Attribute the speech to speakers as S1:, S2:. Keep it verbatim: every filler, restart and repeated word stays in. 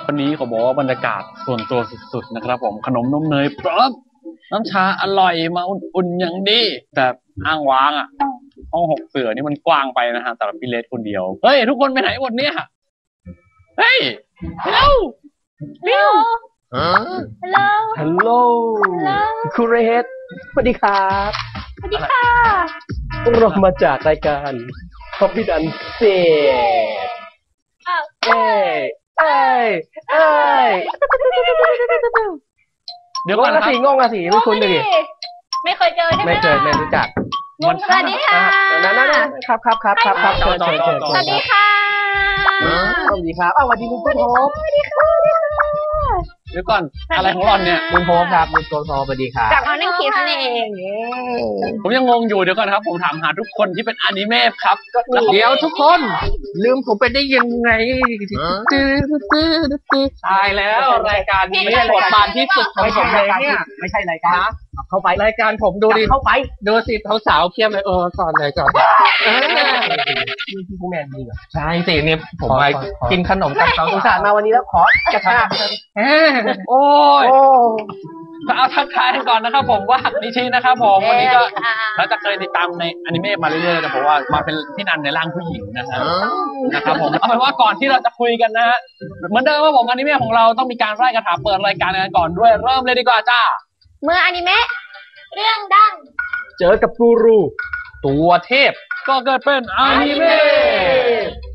S1: วันนี้เขาบอกว่าบรรยากาศส่วนตัวสุดๆนะครับผมขนมนมเนยพร้อมน้ำชาอร่อยมาอุ่นๆอย่างดีแต่อ้างว้างอ่ะห้องหกเสือนี่มันกว้างไปนะฮะสำหรับพี่เลสคนเดียวเฮ้ยทุกคนไปไหนหมดเนี่ยเฮ้ยเร็วเร็ว
S2: ฮัลโหล
S3: ฮัลโหลคุณเรสสวัสดีครับ
S2: สวัสดีค่ะ
S3: พวกเรามาจากรายการคอฟฟี่ดันเซ่เอ้ยเอ้ยเอ้ย
S1: เดี๋ยวก่อนนะสิ
S3: งงอะสิไม่คุ้นเลย
S2: ไม่เคยเจอใช่ไหม
S3: ไม่เคยไม่รู้จัก
S2: สวัสดีค่ะ
S3: นั่นนั่นครับครับครับครับครับเชิญเชิญเชิญ
S2: สวัสดีค่ะ
S3: สวัสดีครับอ้าวสวัสดีคุณโพส
S2: สวัสดีค่ะ
S1: เดี๋ยวก่อนอะไรของหล่อนเนี่ย
S3: คุณโพสครับคุณโพสสวัสดีครับ
S2: จากมานั่งคิดนั่นเอง
S1: ผมยังงงอยู่เดี๋ยวก่อนครับผมถามหาทุกคนที่เป็นอนิเมะครับ
S3: เดี๋ยวทุกคนลืมผมไปได้ยังไง
S1: ตายแล้วรายการนี้บทบาทที่สุดของผมเลยเนี่ย
S3: ไม่ใช่รายการเข้าไป
S1: รายการผมดูดิ
S3: เข้าไป
S1: ดูสิสาวๆเพียบเลยเออก่อนเลยก่อน
S3: นี่พี่ผู้แมนดีเหรอ
S1: ใช่สิเนี่ยผมไปกินขนมกับเขา
S3: อุตส่าห์มาวันนี้แล้วขอกระชาก
S1: โอ้ยเอาทักทายกันก่อนนะครับผมว่านิชินะครับผมวันนี้ก็เราจะเคยติดตามในอนิเมะมาเรื่อยๆแต่ผมว่ามาเป็นพี่นันในร่างผู้หญิงนะครับนะครับผมเอาเป็นว่าก่อนที่เราจะคุยกันนะฮะเหมือนเดิมว่าผมอนิเมะของเราต้องมีการไล่คาถาเปิดรายการกันก่อนด้วยเริ่มเลยดีกว่าจ้า
S2: เมื่ออนิเมะเรื่องดัง
S3: เจอกับกูรู
S1: ตัวเทพก็เกิดเป็นอนิเมะ